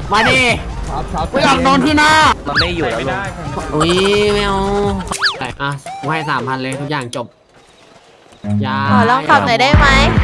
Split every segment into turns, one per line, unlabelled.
มาดิกูอยากโดนที่หน้า
มันไม่อยู่แล้วลุง
อุ้ยไม่เอาอ่ะกูให้3,000เลยทุกอย่างจบยา
ขอลองขับหน่อยได้ไหม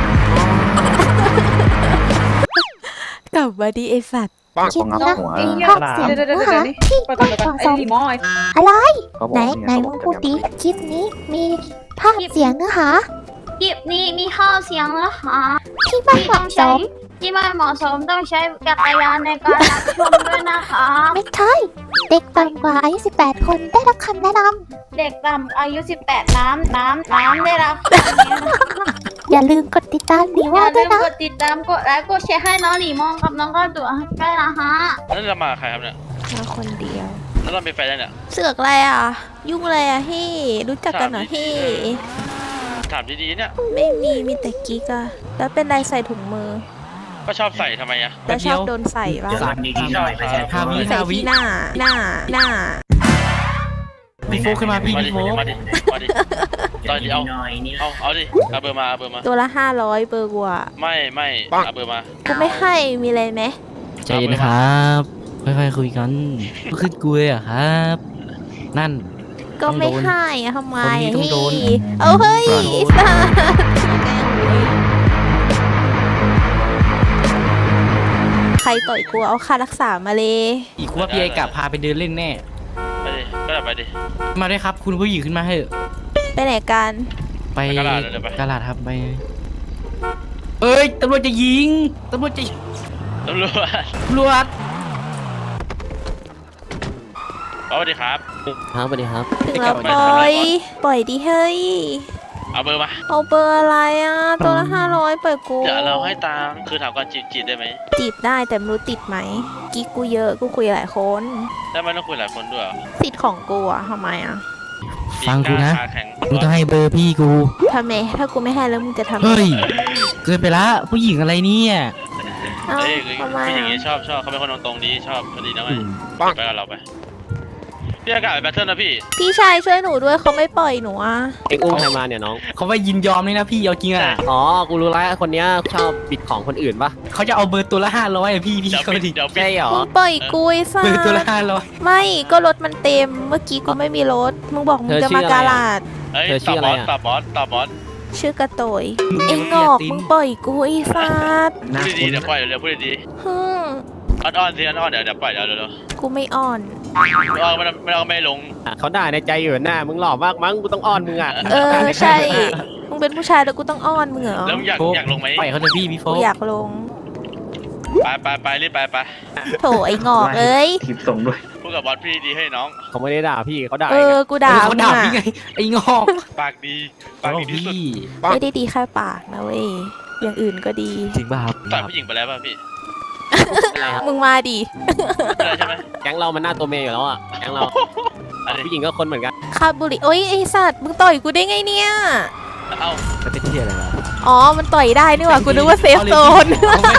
กลับมาดีไอสัตว์
คลิปนี้นะมีภาพเสียงเนื้อหาที่ไม่เหมาะสมอะไรไหนมึงพูดดิคลิปนี้มีภาพเสียงเนื้อหา
คลิปนี้มีข้อเสียงนะคะ
ที่ไม่เหมาะสม
ที่ไม่เหมาะสมต้องใช้จักรยานในการรับชมด้วยนะคะ
ไม่ใช่เด็กต่ำกว่าอายุ18 คนได้รับคำแนะน
เด็กต่ำอายุ 18 น้ำได้รับคำนี้นะคะ
ำอย่าลืมกดติดตามดี
อ
ว่า
ย่า
ด้
ลื
วย
ม
นะ
กดติดตามกดไลค์กดแชร์ให้น้องหลีมองกับน้องก็ตัวด้วยนะคะ
นั่นเรามาใครครับเนี่ย
มาคนเดียว
แล้วเราเป็นแฟนยังเนี่ย
เสือกอะไรอ่ะ ยุ่งอะไรอ่ะพี่รู้จักกันเหรอพี่
ถามดีๆเนี่ย
ไม่มีแต่กิ๊กอะแล้วเป็นไรใส่ถุงมือ
ก็ชอบใส่ทำไมอะ
แล้วชอบโดนใส่ปะ
ชอบครับ
ใส่ที่หน้า
พี่โฟขึ้นมาพี่
มาดิ
พี่โฟ
มาดิตอนนี้เอาดิเอาเบอร์มาเอาเบอร์มา
ตัวละ500เบอร์กูอะ
ไม่เอาเบอร์มา
กูไม่ให้มีอะไรไหม
ใจเย็นนะครับค่อยๆคุยกันขึ้นกูเลยอะครับ นั่น
ก็ไม่ให้อะทำไม
คนนี้ต้องโดน
พี่เอาเฮ้ยสัสใครต่อยกูเอาค่ารักษามาเลย
อีกว่าพี่ไอกะพาไปเดินเล่นแน่
ไปดิก็ได้ไปดิ
มาด้วยครับคุณผู้หญิงขึ้นมาเถอะ
ไปไหนกัน
ไป
ไปกะลาดเลยไป
กะลาดครับไปเอ้ยตำรวจจะยิงตำรวจจะ
ตำรวจ
ตำรวจ
สวัสดีครับ
ครับสวัสดีครับ
ถึงแล้วปล่อยดิเฮ้ย
เอาเบอร์มา
เอาเบอร์อะไรอ่ะ ตัวละ500ปล่อยกู
เดี๋ยวเราให้ตังค์คือถามก่อนจีบได้ไหม
จีบได้แต่ไม่รู้ติดไหมกิ๊กกูเยอะกูคุยหลายคน
ได้ไหมต้องคุยหลายคนด้วยเหรอ
ติดของกูอะทำไมอะ
ฟังกูนะ
ขาแข็ง
มึงต้องให้เบอร์พี่กู
ทำไมถ้ากูไม่ให้แล้วมึงจะทำไง
เฮ้ยเกินไปละผู้หญิงอะไรเนี่ย
เอ้า
เอ้ย
ทำไม
ผู้หญิง
อะ
นี้ชอบเขาเป็นคนตรงๆดีชอบพอดีนะไงไปกับเราไปพี่อากาศไปแบทเทิลนะพี่
พี่ชายช่วยหนูด้วยเขาไม่ปล่อยหนูอะ
เอ็งอุ้มใครมาเนี่ยน้อง
เขาว่ายินยอมเลยนะพี่เอาจริงอ่ะ
อ๋อ กูรู้แล้วคนเนี้ยชอบบิดของคนอื่นปะ
เขาจะเอาเบอร์ตัวละ500อะพี่
เดี๋ยว
เขา
ปิด
ดิ
เดี๋ยวปิด
ใช่เหรอ
มึงปล่อยกูไอ้สั
เบอร์ตัวละ
ส ไม่ก็รถมันเต็มเมื่อกี้กูไม่มีรถมึงบอกมึงจะมากาลาด
เฮ้ย
เธอชื่ออะไรอะ
ตอบบอส
ชื่อกระโตยไอ้งอกมึงปล่อยกูไอ้สัส
พูดดีๆเดี๋ยวปล่อยเดี๋ยวพูดดี
ฮึม
ๆอ่อนๆสิอ่อนๆเดี๋ยวปล่อยเดี๋ยวเดี๋ยว
กูไม่อ่อน
อ่อนไม่ลง
เขาด่าในใจอยู่หน้ามึงหล่อมากมั้งกูต้องอ้อนมึงอ่ะ
เออใช่ มึงเป็นผู้ชายแล้วกูต้องอ้อนมึงเหรอ
แล้วอยากลงไหม
ปล่อยเขาเถอะพี่โฟ
กูอยากลง
ไปรีบไป
โถไอ้งอกเอ้ย
คลิปส่งด้วย
พูดกับบอสพี่ดีให้น้อง
เขาไม่ได้ด่าพี่เขาด่า
เออ กูด่า
เขา
มึง
ด่า
อะ
พี่ไงไอ้งอก
ปากดีที่สุด
พี่
ไม่ได้ดีแค่ปากนะเว้ย อย่างอื่นก็ดี
จริงป่ะครับ
ต่อยผู้หญิงไปแล้วป่ะพี่
มึงมาดิ
ไม่ได้ใช่ไหม
แก๊งเรามันหน้าตัวเมย์อยู่แล้วอ่ะแก๊งเรา
อะไร
ผู้หญิงก็คนเหมือนกัน
คาบุหริโอ้ยไอสัตว์ มึงต่อยกูได้ไงเนี่ย
เอ้า
จะเป็นที่อะไรล่ะ
อ๋อ มันต่อยได้นี่หว่า กูนึกว่าเซฟโซน
เอาเลย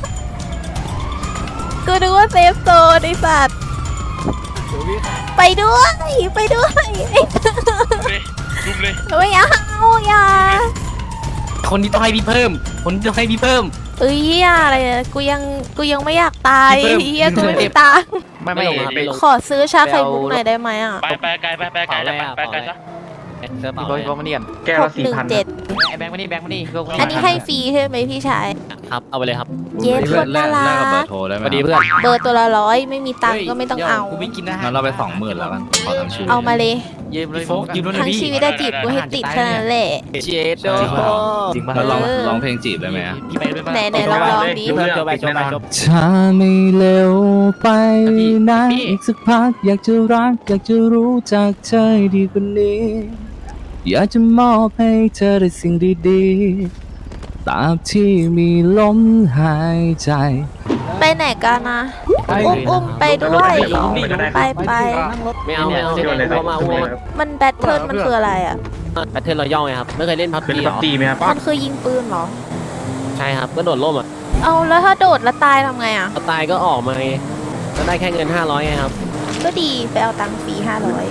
กูนึกว่าเซฟโซนไอสัตว์ ไปด้วย ไปด้วย
รุมเลย
ไม่เอาอย่า
คนนี้ต้องให้พี่เพิ่ม คนนี้ต้องให้พี่เพิ่ม
เอ้ยอย่าอะไรอะกูยังไม่อยากตาย
พี่เพิ่ม
เฮียกูไม่มีตังค์
ไม่ลงครับไม่ลง
ขอซื้อชาไข่มุกหน่อยได้ไหมอ่ะ
ไปไกลไปไกลซะ
เสื้อเปล่า
พี่โฟมาเนียน
แก้วละ4,000
617
ไอ้แบงค์มานี่แบงค์มานี่
อันนี้ให้ฟรีใช่ไหมพี่ชาย
ครับเอาไปเลยครับ
เย็นคนน่ารัก
สวัสดีเพื่อน
เบอร์ตัวละ100ไม่มีตังค์ก็ไม่ต้องเอา
กูไม่กินอาหาร
งั้นเราไป20,000แล้วกันขอทั้งชีวิต
เอามาเลย
ยืมเลยโฟกยืมด้วยนะ
ทั้ง
พี่
ชีวิตได้จีบกูให้ติดแค่นั้นแหละ
เจโด
จริงป่ะ
แล้ว
เออ
ร้องเพลงจีบได้ไหมอะ
พี่ไปด้วยป่ะ
ไหนลองดิ
เพื่อนโจไปโจไปโจ
ถ้าไม่เร็วไปนะ
พี่
อีกสักพักอยากจะรัก อยากจะรู้จักเธอดีกว่านี้ อยากจะมอบให้เธอได้สิ่งดีๆตราบที่มีลมหายใจ
ไปไหนกันนะอุ้มไปด้วย ไป
ไม่เอาเข้ามาอ้วน
มันแบทเทิลมันคืออะไรอ่ะ
แพทเทิร์นรอย่องไงครับไม่เคยเล่นพับ
เป็น
จีหร
ปับ
อ
จีไหมครับ
มันคือยิงปืนเหรอ
ใช่ครับก็โดดร่มอ่ะ
เอาแล้วถ้าโดดแล้วตายทำไงอ่ะ
พอตายก็ออกมาไงก็ได้แค่เงิน500ไงครับ
ก็ดีไปเอาตังค์ฟรี500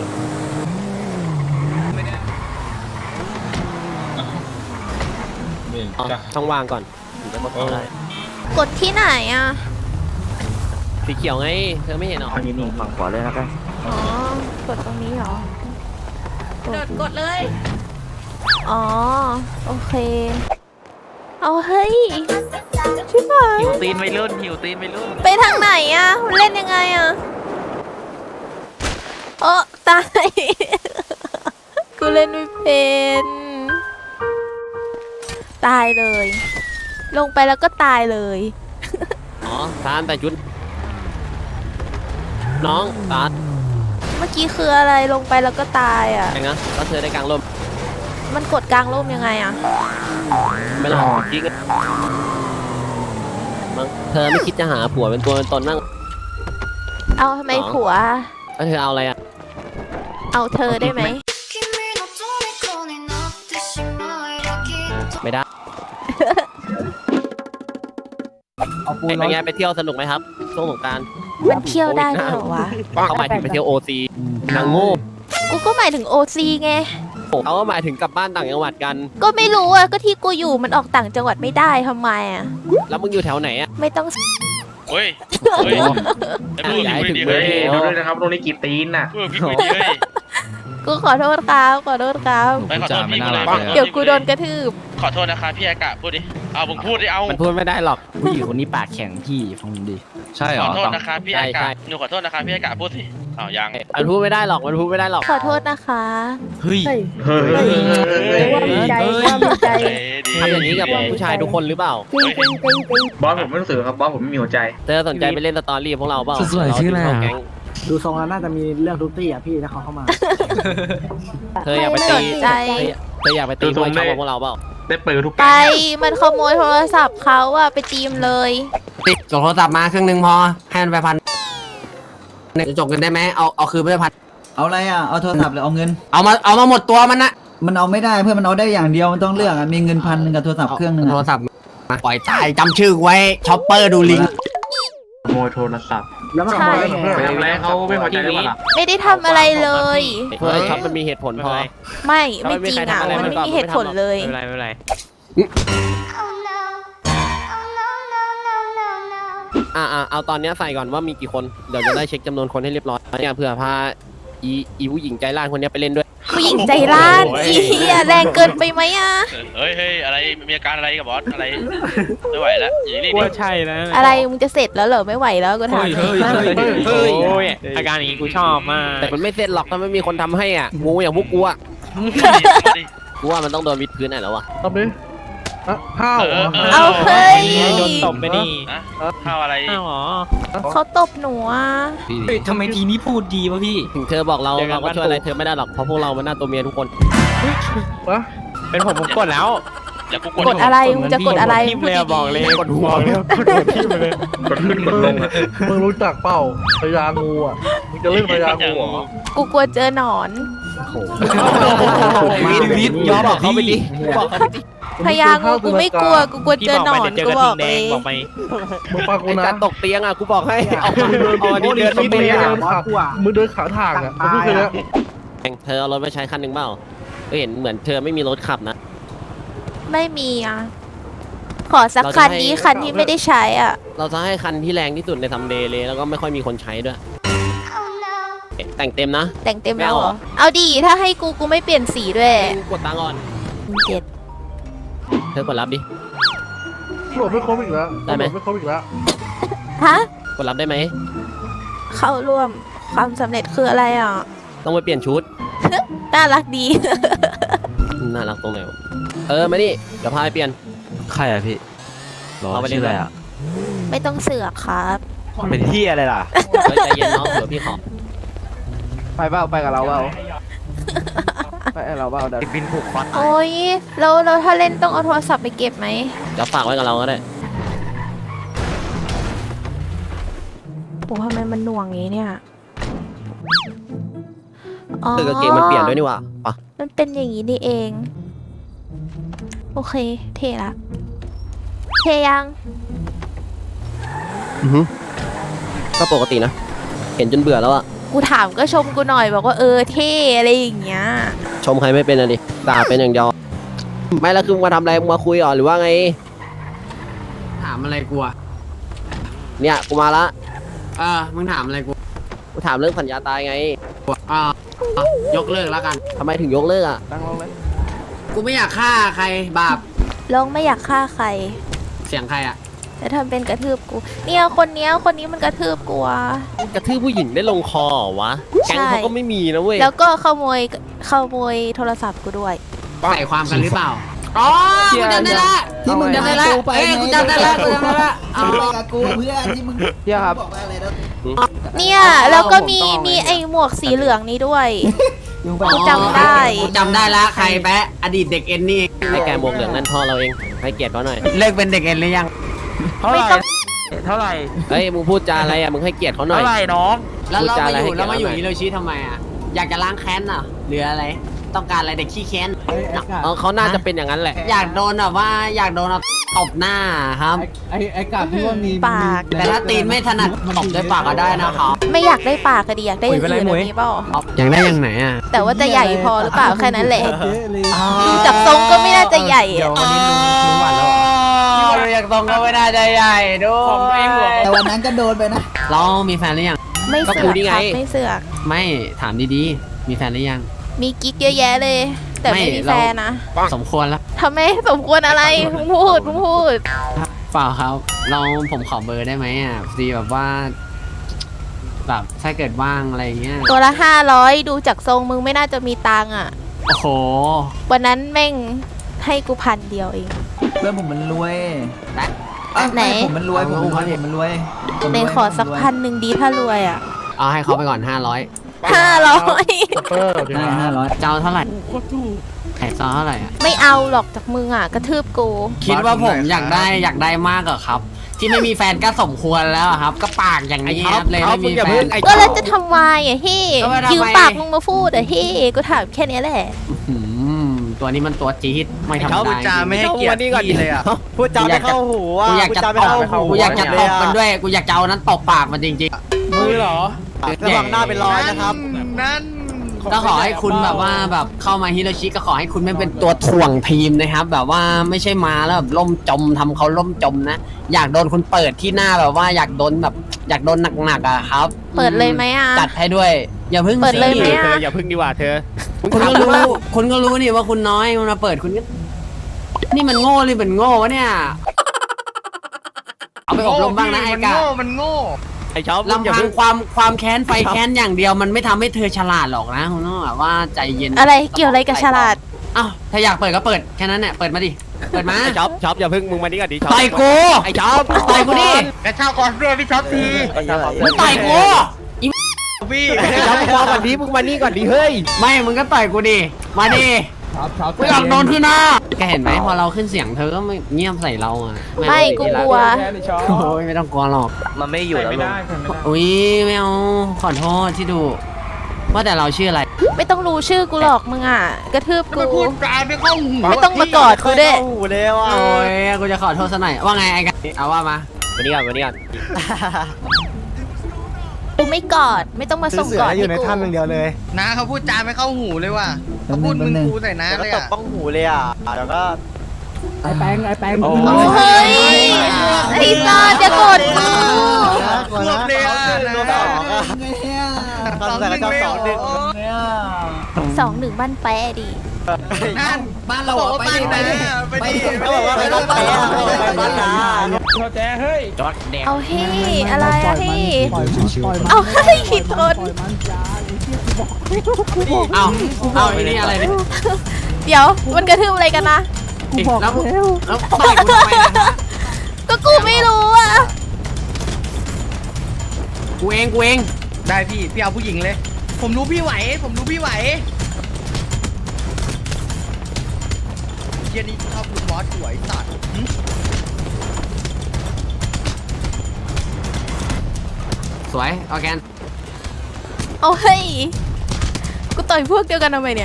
ช่องว่างก่อนถึงจะกดเข้าได้
กดที่ไหนอ่ะ
สีเขียวไงเธอไม่เห็นหรอ
อันนี้ฝั่งขวาเลยนะครับ
อ๋อกดตรงนี้เหรอ
กดเลย
อ๋อโอเคเอาเฮ้ยชิบหาย
หิวตีนไม่รุ่นหิวตีนไม่รุ่น
ไปทางไหนอะเล่นยังไงอะโอ้ตาย กูเล่นไม่เป็นตายเลย ลงไปแล้วก็ตายเลย
อ๋อตาลแต่ชุดน้องตาล
เมื่อกี้คืออะไรลงไปแล้วก็ตายอะ
ไงนะก็เธอได้กลางร่ม
มันกดกลางร่มยังไงอะ
ไม่หรอกจริงมั้งเธอไม่คิดจะหาผัวเป็นตัวเป็นตนนั่ง
เอาทำไมผัว
แล้วเธอเอาอะไรอ่ะ
เอาเธอได้ไหม
ไม่ได้เป็นไงไปเที่ยวสนุกไหมครับช่วงสงกรานต์
มันเที่ยวได้ด้วยเหรอวะ
เขาหมายถึงไปเที่ยวโอซีนางโง่
กูก็หมายถึงโอซีไง
เขาก็หมายถึงกลับบ้านต่างจังหวัดกัน
ก็ไม่รู้อะก็ที่กูอยู่มันออกต่างจังหวัดไม่ได้ทำไมอะ
แล้วมึงอยู่แถวไหนอ่ะ
ไม่ต้อง
เฮ้ยเฮ้ยไอ้พูด
ย้ายถึง
ดี
เมื
เฮ้
อง
ย
เท
ดูด้วยนะครับตรงนี้กี่ตีนน่ะ
พูดพี่คุยดีเฮ้ย
กูขอโทษครับขอโทษครับ
ไปขอโทษพี่กูเลย
เดี๋ยวกูโดนกระทืบ
ขอโทษนะคะพี่อากาศพูดดิเอาผมพูดดิเอา
มันพูดไม่ได้หรอก
ผู้หญิงคนนี้ปากแข็งพี่ฟังผมดิ
ใช่เหร
ข
อ
อโทษ
ต้อง
นะคะพี่อากาศหนูขอโทษนะคะพี่อากาศพูดสิอ้าวยัง
มันพูดไม่ได้หรอกมันพูดไม่ได้หรอก
ขอโทษนะคะ
เฮ้ย
เฮ้ย
ว่ามีใจว่ามีใจ
เฮ้ยดี
ทำอย่างนี้กับผู้ชายทุกคนหรือเปล่า
จริงจริงจริงจริง
บอสผมไม่รู้สึกครับบอสผมไม่มีหัวใจ
เธอสนใจไปเล่นสตอรี่พวกเราเปล่า
สวยๆชื่ออะไรอะ
แก๊ง
ดูทรงแล้วน่าจะมีเรื่องทุกตี้อ่ะพี่ถ้าเขาเข้ามา
เธออยากไป
ไม่
ตี
สนใจ
เธออยากไปตีมวยชอบกับพวกเราเปล่า
ได้เปิดทุก
ไปมันขโมยโทรศัพท์เขาอะไปตีมเลย
ติดส่งโทรศัพท์มาเครื่องนึงพอให้มันไปพันจะจบกันได้ไหมเอาคืนไปพัน
เอาอะไรอ่ะ เอาโทรศัพท์หรือเอาเงิน
เอามาหมดตัวมันนะ
มันเอาไม่ได้เพื่อนมันเอาได้อย่างเดียวมันต้องเลือกอ่ะ มีเงิน1,000กับโทรศัพท์เครื่องนึง
โทรศัพท์มาปล่อยตายจำชื่อไว้ช็อปเปอร์ดูลิง
ขโมยโทรศัพท์
แล้วมันขโมยได้ไง
ไปทำอะไรเขาไม่พอใจหรือเปล่าล่ะ
ไม่ได้ทำอะไรเลย
เพื่อช็อปมันมีเหตุผลพอ
ไม่จริงอะมันไม่มีเหตุผลเลย
ไม่เป็นไรเอาตอนนี้ใส่ก่อนว่ามีกี่คนเดี๋ยวจะได้เช็คจำนวนคนให้เรียบร้อยเนี่ยเผื่อพาอีผู้หญิงใจร้านคนนี้ไปเล่นด้วย
ผู้หญิงใจร้านอีเหี้ยแรงเกินไปไหมอะ
เฮ้ยอะไรมีอาการอะไรกับบอสอะไรไม่ไหวแล้วอย่างนี้
ว่าใช่นะ
อะไรมึงจะเสร็จแล้วเหรอไม่ไหวแล้วก็ถาม
เฮ้ยอาการอย่างนี้กูชอบมาก
แต่มันไม่เสร็จหรอกถ้าไม่มีคนทำให้อ่ะงูอย่างพวกกูอ่ะ
ดิ
กูว่ามันต้องโดนวิดพื้นไหนแล้ววะ
เอาเฮ้ย
โดนตบไปดิ
นะข้าวอะไร
อ้าวเหรอ
เขาตบหนูอะ
เฮ้ยทำไมทีนี้พูดดีวะพี่
ถึงเธอบอกเรา
เจอกัน
เราก็ช่วยอะไร
บ้านปู่
เธอไม่ได้หรอกเพราะพวกเรามันหน้าตัวเมียทุกคน
เป็นผมกดแล้ว
อย่ากู
กดอะไรมึงจะกดอะไร
ทิมเลยบอกเลย
กดหัวเลย
กดทิมเลย
กดขึ้นกดลงอ่ะ
มึงรู้จักเปล่าพญางูอ่ะ มึงจะเล่นพญางูเหรอ
กูกลัวเจอหนอน
วิดยอมบอกเขาไปดิบอกเขาไปดิ
พญางูกูไม่กลัวกูกลัว
พี่
เจอ
บอก
หน
ไป
อน
เดี๋ยวเจอ
กู
กระ
บ
ทิ
อง ก
แด
เล
ง
ย
บอกไป
มึงฟังกู
ไอ้
นะ
การตกเตียงอ่ะกูบอกให้เอาอันนี้เดิน
มึ
ไม่
ง
เป็น
เดิ
อ่ะ
นขามึงเดินขาทางอ่ะมึงพูดแค่นี้
เธอเอารถมาใช้คันหนึ่งเปล่าก็เห็นเหมือนเธอไม่มีรถขับนะ
ไม่มีอ่ะ ขอสักคันนี้คันที่ไม่ได้ใช้อ่ะ
เราจะให้คันที่แรงที่สุดในซัมเดย์เลยแล้วก็ไม่ค่อยมีคนใช้ด้วยแต่งเต็มนะ
แต่งเต็มแล้ว
ไม่
เหร
เอา
อ เอาดีถ้าให้กูไม่เปลี่ยนสีด้วย
กดตังค์ก่อน
เจ็ด
เธอกดรับดิ
โหลดไม่ครบอีกแล้ว
ได้ไหม
โลไม่ครบอีกแล้ว
ฮะ
กดรับได้ไหม
เข้าร่วมความสำเร็จคืออะไรอ่ะ
ต้องไปเปลี่ยนชุด
น่ารักดี
น่ารักตรงไหนวะมานี่เดี๋ยวพาไปเปลี่ยน
ใครอะพี่
เอาไปเล่นอะไรอ่ะ
ไม่ต้องเสือกครับ
เป็นที่อะไรล่ะ
ใจเย็นน้องเดี๋ยวพี่ขอ
ไปเปล่าไปกับเราเปล่าไปกับเราเปล่าเดี๋ยว
บินผูกคอ
โอ้ยเราถ้าเล่นต้องเอาโทรศัพท์ไปเก็บไหม
เดี๋ยวฝากไว้กับเราก็ได้
โอ้ทำไมมันหน่วงอย่างนี้เนี่ย อ๋อ
ตึกกางเกงมันเปลี่ยนด้วยนี่หว่าปะ
มันเป็นอย่างนี้นี่เอง โอเค เทละเทยัง
ก็ปกตินะ เห็นจนเบื่อแล้วอะ
กูถามก็ชมกูหน่อยบอกว่าเท่อะไรอย่างเงี้ย
ชมใครไม่เป็นอะดิด่าเป็นอย่างเดียวไม่แล้วคือมาทำอะไรมาคุยหรอหรือว่าไง ถามอะไรกูอะเนี่ยกูมาละมึงถามอะไรกูถามเรื่องสัญญาตายไงยกเลิกแล้วกันทำไมถึงยกเลิกอ่ะ
ตั้งลงเลย
กูไม่อยากฆ่าใครบาป
ลงไม่อยากฆ่าใคร
เสียงใครอ่ะ
แต่ทำเป็นกระทืบกู เนี่ยคนนี้มันกระทืบกูอะ
กระทืบผู้หญิงได้ลงคอเหรอวะแก๊งเขาก็ไม่มีนะเว้ย
แล้วก็ขโมยโทรศัพท์กูด้วย
ใส่ความกันหรือเปล่าอ๋อกูจำได้ละที่มึงจำได้ละกูจำได้ละเอา
เที่ยครับ
เนี่ยแล้วก็มีไอหมวกสีเหลืองนี้ด้วยกูจำได้
กูจำได้ละใครแปะอดีตเด็กเอ็นนี่ไอ้แกหมวกเหลืองนั่นพ่อเราเองให้เกียรติเขาหน่อยเลิกเป็นเด็กเอ็นหรือยัง
ไม่ต้อง
เท่าไหร่
เฮ้ยมึงพูดจาอะไรอ่ะมึงให้เกียรติเขาหน่อย
เท่าไหร่น้อง
แล้วเรามาอยู่ฮิโรชิทำไมอ่ะอยากจะล้างแค้นอ่ะหรืออะไรต้องการอะไรเด็กขี้แค้นเขาน่าจะเป็นอย่างนั้นแหละอยากโดนแบบว่าอยากโดนตบหน้าครับ
ไอ้กาบที่ว่ามี
ปาก
แต่ถ้าตีนไม่ถนัดตบด้วยปากก็ได้นะครับ
ไม่อยากได้ปากก็ดีอยากได้อย่างอื่นแบบนี้เปล่า
อยากได้อย่างไหนอ่ะ
แต่ว่าจะใหญ่พอหรือเปล่าแค่นั้นแหละดูจากทรงก็ไม่น่าจะใหญ่
เดี๋ยว
อะ
วันนี้ลุงหวานแล้วเหรอ
ดูจากตรงก็ไม่น่าจะใหญ่ด้วย
ของตัวเองเหรอ
แต่วันนั้นก็โดนไปนะ
เรามีแฟนหรือยัง
ไม่
ก็
เสื
กู
อก
นี่ไง
ครับไม่เสือก
ไม่ถามดีๆมีแฟนหรือยัง
มีกิ๊กเยอะแยะเลย แต่ไม่
ไม่
มี
เรา
แฟนนะ
สมควรแล้ว
ทำไมสมควรอะไรมึงพูด
เปล่าครับผมขอเบอร์ได้ไหมอ่ะดีแบบว่าแบบถ้าเกิดว่างอะไรเงี้ย
ตัวละ500ดูจากทรงมึงไม่น่าจะมีตังค์อ่ะ
โอ้โห
วันนั้นแม่งให้กู1,000 เดียวเอง
เพื่อนผมมันรวย
ไหน
ผมมันรวยผมมันรวย
ในขอสัก1,000ดีถ้ารวยอ่ะ
เอาให้เขาไปก่อน500
500
เออ
ได้500
เจ้าเท่าไหร่ไข่ซอเท่าไหร่อ่ะ
ไม่เอาหรอกจากมึงอ่ะกระทืบกู
คิดว่าผมอยากได้มากเหรอครับ ที่ไม่มีแฟนก็สมควรแล้วอะครับ ก็ปากอย่างนี้ครับเลยไม่มีแฟน
ก็แล้วจะทำวายอ่ะเฮ้
ก็ไม่ทำไม
ยืมปากมึงมาพูดอ่ะเฮ้กูถามแค่นี้แหละ
ตัวนี้มันตัวจี๊ดไม่ธรรมดา
พูดจาไม่ให้เกียรติพี่เลยอ่ะ
พูดจาไม่เข้าหูอ่ะ
กูอยากจะตบกูอยากจะตบมันด้วยกูอยากจะเอานั้นตบปากมันจริงๆ
มือเหรอ
ระวังหน้าเป็นรอยนะครับ
นั่น
ก็ขอให้คุณแบบว่าแบบเข้ามาฮิโรชิก็ขอให้คุณไม่เป็นตัวถ่วงทีมนะครับ แบบว่าไม่ใช่มาแล้วแบบล่มจมทำเขาล่มจมนะอยากโดนคุณเปิดที่หน้าแบบว่าอยากโดนหนักๆอะครับ
เปิดเลยไหมอ่ะ
จัดให้ด้วยอย่าพึ่ง
เปิดเลยไหม
สิ
อะ
เธออย่าพึ่งดีกว่าเธอคุณก็รู้นี่ว่าคุณน้อยมันมาเปิดคุณก็นี่มันโง่เลยมันโง่วะเนี่ยเอาไปอบรมบ้างนะไอ้กะ
มันโง่
ไอ้ชอบลำพังความแค้นไฟแค้นอย่างเดียวมันไม่ทำให้เธอฉลาดหรอกนะคุณต้องแบบว่าใจเย็น
อะไรเกี่ยวอะไรกับฉลาด
อ้าวถ้าอยากเปิดก็เปิดแค่นั้นแหละเปิดมาดิเปิดมา
ช็อปอย่าพึ่งมึงมานี่ก่อนดิช็อป
ต่อยกู
ไอ้ช็อป
ต่อยกูดิ
กระเช้าก่อนด้วยพี่ช็อปที
มึงต่อยกู
พี่
ไอ้ช็อปมึงมาก่อนดิมึงมานี่ก่อนดิเฮ้ย
ไม่มึงก็ต่อยกูดิมาดิกูอยากโดนที่หน้าแกเห็นไหมพอเราขึ้นเสียงเธอก็ไม่เงียบใส่เราอ่ะ
ไม่กูกลัว
โอ้ยไม่ต้องกลัวหรอก
มันไม่อยู่แล้วลุง
อุ้ยไม่เอาขอโทษที่ดูว่าแต่เราชื่ออะไร
ไม่ต้องรู้ชื่อกูหรอกมึงอ่ะกระทืบกู
พูดจาไม่เข้าหู
ไม่ต้องมากอดกูด้วย
หูเลยว่ะ
โอ้ยกูจะขอโทษซะหน่อยว่าไงไอ้กันเอาว่ามา
มานี่ก่อนมานี่ก่อน
กูไม่กอดไม่ต้องมาส่งกอดให้กู
น้าเขาพูดจาไม่เข้าหูเลยว่ะเขาพูดมึงกูใส่น้า
แล้ว
เลย
ก็ตบ
อ่ะ
บ้องหูเลยอ่ะเดี๋ยวก็
ไอ้แปง
โอ้เฮ้ยไอ้ซอดอย่ากดกู
รวบเลยอ่ะ
รวบสองอ่ะตอนใส่กระชับ
2-1บ้านแปะดิ
นั่น
บ้านเรา
บอกว่าไปดิไปดิ
เขาบอกว่าไม่ต้องไปอ่ะไปบ้านนา
จอดแดง
เอาเฮ้อะไรอะเฮ้เอาเฮ้ยทน
เอาไอ้นี่อะไรเนี่ย
เดี๋ยวมันกระทืบอะไรกันนะ
แล้วต่อยกูทำไมนะ
ก็กูไม่รู้อ่ะ
กูเอง
ได้พี่เอาผู้หญิงเลย ผมรู้พี่ไหวเย็นนี้ชอบคุณบอสสวยสัตว์
สวยออร์แกน
เอาเฮ้ยกูต่อยพวกเดียวกันทำไมเนี่ย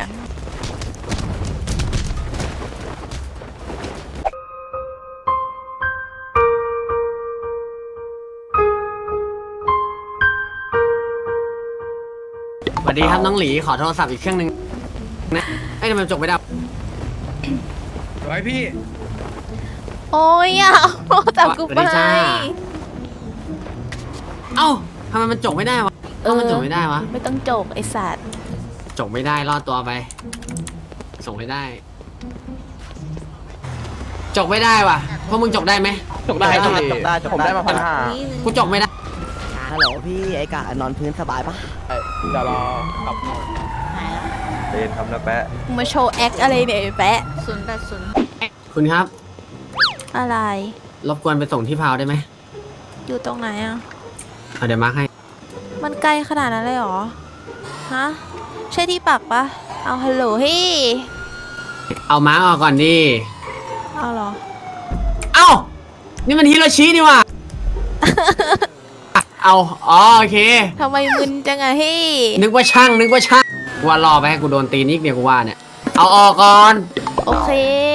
สวัสดีครับน้องหลีขอโทรศัพท์อีกเครื่องนึงนะไอ้ทำไมจบไม่ได้
สวยพี่
โอ้ยอ่ะเอาจับกู
สวัส
ไป
ดีจ้า เอ้าทำไมมันจกไม่ได้วะมันจกไม่ได้วะ
ไม่ต้องโจกไอสัตว์
จกไม่ได้รอดตัวไป ส่งให้ได้ จกไม่ได้ว่ะพวกมึงจกได้ไหม
จกได้
จ
จ
ก
ก
ได้
ได้ ผมได้มา1,500
กูจกไม่ได้
ฮัลโหลพี่ไอ้กะนอนพื้นสบายปะ
เดี๋ยวรอขับ
เล่นทำนะแปะ
มึงมาโชว์แอคอะไรเนี่ยไอ้แปะ
080
คุณครับ
อะไร
รบกวนไปส่งที่พาวได้ไหม
อยู่ตรงไหนอ่ะ
เดี๋ยวมาร์คให้
มันไกลขนาดนั้นเลยเหรอ ฮะ ใช่ที่ปักปะเอาฮัลโหลเฮ้ย
เอามาร์คออกก่อนดิ
เอาเหรอ
เอ้า นี่มันฮิโรชินี่ว่ะ เอาอ๋อโอเค
ทำไมมึนจังอะเฮ้ย
นึกว่าช่างกูว่ารอไปให้กูโดนตีนิกเนี่ยกูว่าเนี่ย เอาออกก่อน
โอเค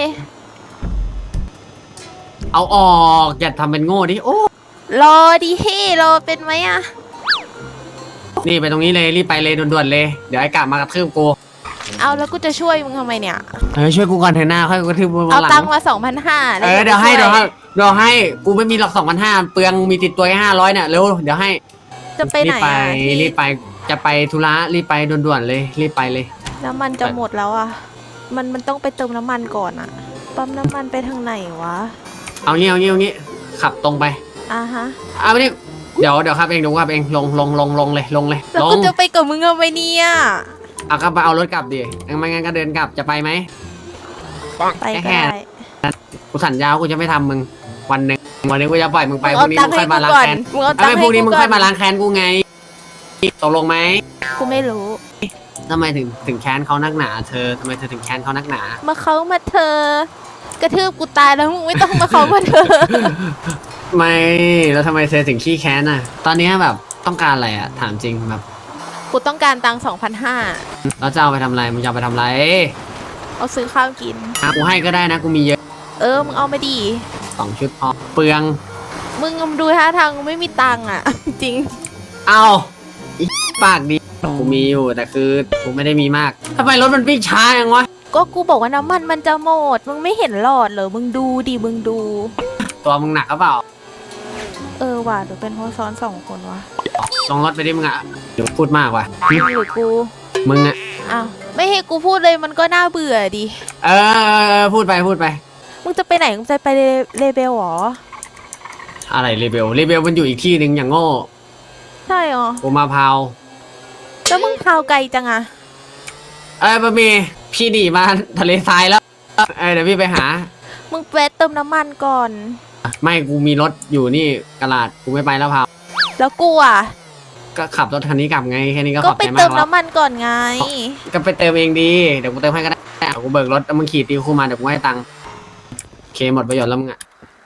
เอาออกอย่าทำเป็นโง่ดิ โอ้
รอดิเฮ้รอเป็นไหมอะ
นี่ไปตรงนี้เลยรีบไปเลยด่วนๆเลย เดี๋ยวไอ้กะมากระทืบกู
เอาแล้วกูจะช่วยมึงทำไมเนี่ย
ช่วยกูก่อนเถอะหน้าค่อยกระทืบกู
เอา
หลั
ตังค์มา2,500
เดี๋ยวให้กูไม่มีหรอก2,500เปลืองมีติดตัวแค่500เนี่ยเร็วเดี๋ยวให้
จะไปไหนอะพี่
รีบไปจะไปธุระรีบไปด่วนๆเลยรีบไปเลย
น้ำมันจะหมดแล้วอะมันต้องไปเติมน้ำมันก่อนอะปั๊มน้ำมันไปทางไหนวะ
เอางี้ขับตรงไป
อ่ะฮะ
เอาไปนี่เดี๋ยวขับเองลงเลย
แล้วกูจะไปกับมึงเอาไปเนี่ย
เอากลับไปเอารถกลับดิไม่งั้นก็เดินกลับจะไปไหม
ไปก็ได้
กูสัญญาว่ากูจะไม่ทำมึงวันหนึ่งกูจะปล่อยมึงไปพ
เอา
รุ่งนี้
ตั
มึ
ง
ง
ค์
ค่
ให้
อยมา
กู
ล้าง
ก่อน
แค้น
มึงเอาตัง
ไม่
ค์
พรุ่ง
ให้
นี้
กู
มึง
ก่
ค่
อ
อน ยมาล้างแค้นกูไงตกลงไหม
กูไม่รู้
ทำไมถึงแค้นเขานักหนาเธอทำไมเธอถึงแค้นเขานักหนา
มาเขามาเธอกระทืบกูตายแล้วมึงไม่ต้องมาเขามาเธอ
ไม่แล้วทำไมเธอถึงขี้แค้นอ่ะ ตอนนี้แบบต้องการอะไรอ่ะถามจริงแบบ
กูต้องการตังค์
แล้วจะเอาไปทำอะไรมึงจะเอาไปทำอะไร
2,500เอาซื้อข้าวกิน
กูให้ก็ได้นะกูมีเยอะ
มึงเอามาดี
2 ชุดพอเปลือง
มึงดูท่าทางไม่มีตังค์อ่ะ จริง
เอาอีปากดีกูมีอยู่แต่คือกูไม่ได้มีมากทำไมรถมันวิ่งช้าอย่างวะ
ก็กูบอกว่าน้ำมันจะหมด มึงไม่เห็นหลอดเหรอ มึงดูดิ มึงดู
ตัวมึงหนักหรือเปล่า
ว่ะหรือเป็นเพราะซ้อน2 คนวะ
ลงรถไปดิมึงอ่ะเดี๋ยวพูดมากว่ะ
หรือกู
มึงอ่ะ
อ้าว ไม่ให้กูพูดเลยมันก็น่าเบื่อดิ
พูดไป
มึงจะไปไหน มึงจะไปเลเบลหรอ
อะไรเรเบลมันอยู่อีกที่หนึ่งอย่างโง่
ใช่หรอ
กูมาพาว
แล้วมึงพาวไกลจังอะ
บะหมี่พี่หนีมาทะเลทรายแล้วเดี๋ยวพี่ไปหา
มึงแวะเติมน้ำมันก่อน
ไม่กูมีรถอยู่นี่กระลาดกูไม่ไปแล้วพาว
แล้วกูอ่ะ
ก็ขับรถคันนี้กลับไงแค่นี้ก็
ก็
ขอบ
ไป
ใจมา
เติ
ก
ม
แล้ว
น้ำมันก่อนไง
ก็ไปเติมเองดีเดี๋ยวกูเติมให้ก็ได้เอากูเบิกรถแล้วมึงขี่ตีคู่มาเดี๋ยวกูให้ตังค์โอเคหมดประโยชน์แล้วมึงอ่ะ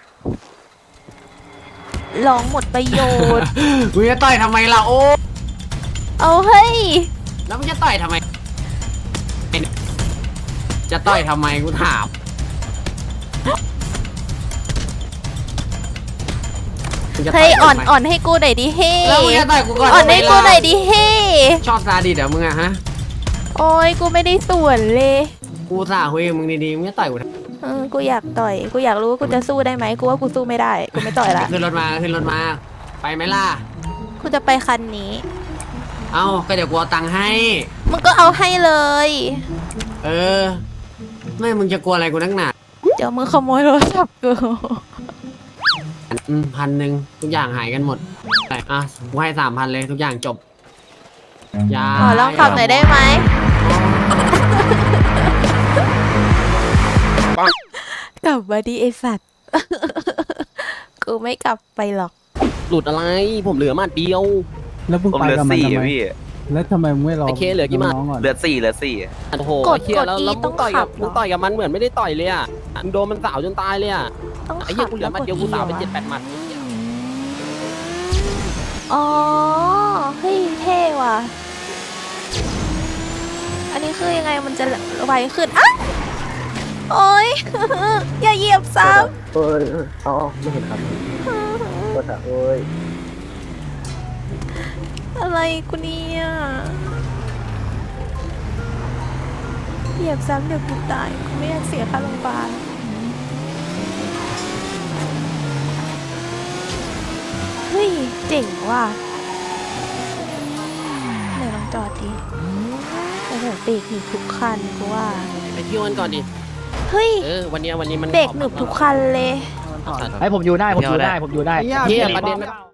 ลองหมดประโยชน์
มึงจะต่อยทำไมล่ะโอ้
เอาเฮ้ย
แล้วมึงจะต่อยทำไม จะต่อยทำไมกูถามมึงจะต่
เฮ้ย
ทำไม
อ่อนให้กูหน่อยดิเฮ้
แล้วมึงจะต่อยกูก่อน
อ่อนให้กูหน่อยดิเฮ้
ชอบซาดิสเหรอมึงอะฮะ
โอ้ยกูไม่ได้ส่วนเลย
กูสาคุยกับมึงดีๆมึงจะต่อยกูทำไม
กูอยากต่อย กูอยากรู้ว่ากูจะสู้ได้ไหมกูว่ากูสู้ไม่ได้ กูไม่ต่อยละ
ขึ้นรถมาไปไหมล่ะ
กูจะไปคันนี้
เอ้าก็เดี๋ยวกูเอาตังค์ให้
มึงก็เอาให้เลย
ไม่มึงจะกลัวอะไรกูนักหนา
เดี๋ยวมึงขโมยโทรศัพท์กู
1,000ทุกอย่างหายกันหมดอ่ะกูให้3,000เลยทุกอย่างจบอย่า
ขอลองขับหน่อยได้ไหม กลับมาดิไอสัตว์ กูไม่กลับไปหรอก
หลุดอะไร ผมเหลือมาเดียว
แล้วมึงไปกับมันทำไมแล้วทำไมมึงไม่รอ
ไอ้เคเหลือกี่หมัด
น้องก่อน
เหลือ4
โอ้โห
กด
ไอ้เหี้ยแล้ว
กด E
แล้วมึงต่อยกับ
ต้องขับเหรอ
มึงต่อยกับมันเหมือนไม่ได้ต่อยเลยอ่ะมึงโดนมันสาวจนตายเลยอ่ะ
ต้อง
ไอ้เหี้
ขั
ย
บ
กูเหลือมาเดียวกูสาวไป7-8หมัด
อ๋อ เฮ้ยเท่ว่ะ อันนี้คือยังไงมันจะไวขึ้นอ่ะโอ๊ย อย่าเหยียบซ้ำ
ไม่เห็นครับ
อะไรกูเนี่ยเหยียบซ้ำเดี๋ยวกูตายกูไม่อยากเสียค่าโรงพยาบาลเฮ้ย เจ๋งว่ะเบรกหนึบทุกคันกูว่า
ไปเที่ยวกันก่อนดิ
เฮ้ย
วันนี้มัน
เบรกหนึบทุกคันเลย
ให้ผมอยู่ได้ผมอยู่ได้ผมอยู่ได้
เที่ยประเด็นมัน